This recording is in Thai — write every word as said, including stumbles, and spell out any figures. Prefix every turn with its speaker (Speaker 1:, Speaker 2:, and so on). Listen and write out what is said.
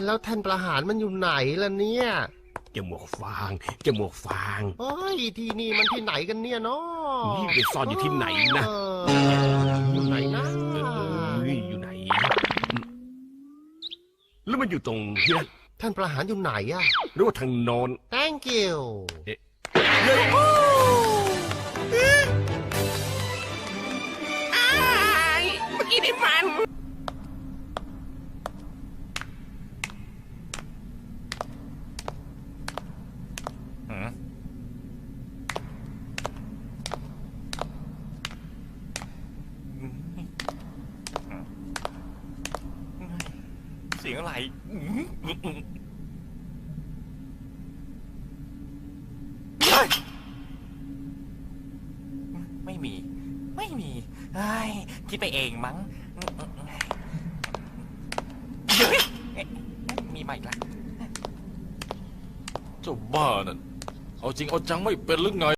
Speaker 1: แล้วท่านประหารมันอยู่ไหนล่ะเนี่ย
Speaker 2: จมูกฟางจมูกฟาง
Speaker 1: เฮ้ยที่นี่มันที่ไหนกันเนี่ยเนาะ
Speaker 2: นี่ไปซ่อนอยู่ที่ไหนนะ
Speaker 1: อยู่ไหนนะ
Speaker 2: เอ้ยอยู่ไหนแล้วมันอยู่ตรงนี้นะ
Speaker 1: ท่านประหารอยู่ไหนอะ
Speaker 2: หรือว่าทางโน้น
Speaker 1: thank you
Speaker 2: เอ๊ะเฮ้ยเมื่อกี้นี่มัน
Speaker 3: เสียงอะไรไม่มีไม่มีไอ้คิดไปเองมั้งเฮ้ยมีใหม่ละ
Speaker 4: เจ้าบ้านั่นเอาจริงเอาจังไม่เป็นหรือไง